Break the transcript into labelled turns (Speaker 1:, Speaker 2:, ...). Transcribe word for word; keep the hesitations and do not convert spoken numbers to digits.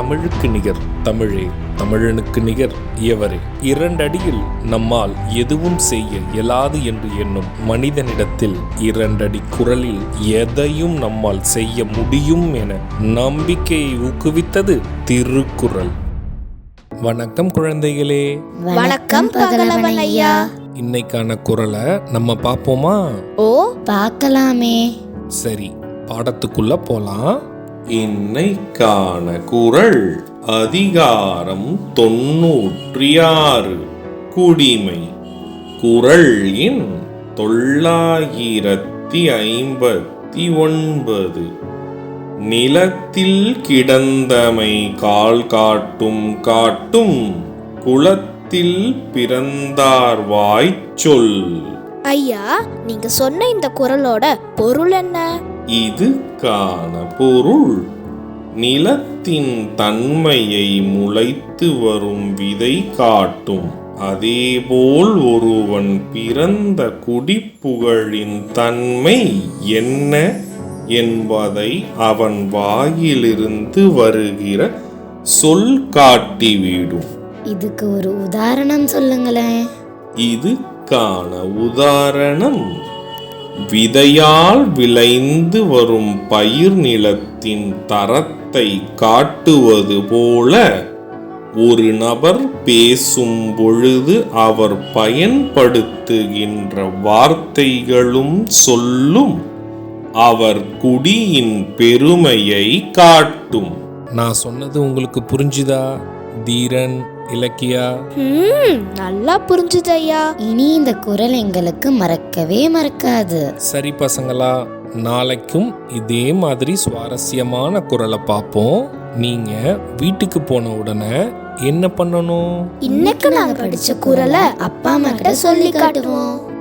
Speaker 1: தமிழுக்கு நிகர் தமிழே, தமிழனுக்கு நிகர் இயவரே. இரண்டடியில் நம்மால் எதுவும் செய்ய இயலாது என்று எண்ணும் மனிதனிடத்தில் இரண்டடி குரலில் எதையும் நம்மால் செய்ய முடியும் என நம்பிக்கையை ஊக்குவித்தது திருக்குறள். வணக்கம் குழந்தைகளே.
Speaker 2: வணக்கம் பகலவன் ஐயா.
Speaker 1: இன்னைக்கான குறளை நம்ம பார்ப்போமா?
Speaker 2: ஓ, பார்க்கலாமே.
Speaker 1: சரி, பாடத்துக்குள்ள போலாம். இன்னைக்கான குறள் அதிகாரம் தொன்னூற்றி ஆறு, குடிமை. குறள் எண் தொள்ளாயிரத்தி ஐம்பத்தி ஒன்பது. நிலத்தில் கிடந்தமை கால் காட்டும் காட்டும், குலத்தில் பிறந்தார் வாய்ச்சொல்.
Speaker 2: ஐயா, நீங்க சொன்ன இந்த குறளோட பொருள் என்ன?
Speaker 1: இதுக்கான பொருள், நிலத்தின் தன்மையை முளைத்து வரும் விதை காட்டும். அதேபோல் ஒருவன் பிறந்த குடிப்புகழின் தன்மை என்ன என்பதை அவன் வாயிலிருந்து வருகிற சொல் காட்டிவிடும்.
Speaker 2: இதுக்கு ஒரு உதாரணம் சொல்லுங்களேன்.
Speaker 1: இதுக்கான உதாரணம், விதையால் விளைந்து வரும் பயிர் நிலத்தின் தரத்தை காட்டுவது போல ஒரு நபர் பேசும் பொழுது அவர் பயன்படுத்துகின்ற வார்த்தைகளும் சொல்லும் அவர் குடியின் பெருமையை காட்டும். நான் சொன்னது உங்களுக்கு புரிஞ்சுதா தீரன், இலக்கியா?
Speaker 2: நல்லா புரிஞ்சுது ஐயா. இனி இந்த குறள் எங்களுக்கு மறக்கவே மறக்காது.
Speaker 1: சரி பசங்களா, நாளைக்கும் இதே மாதிரி சுவாரஸ்யமான குறளை பார்ப்போம். நீங்க வீட்டுக்கு போன உடனே என்ன பண்ணணும்?
Speaker 2: இன்னைக்கு நாங்க படிச்ச குறளை அப்பா அம்மா கிட்ட சொல்லி காட்டுவோம்.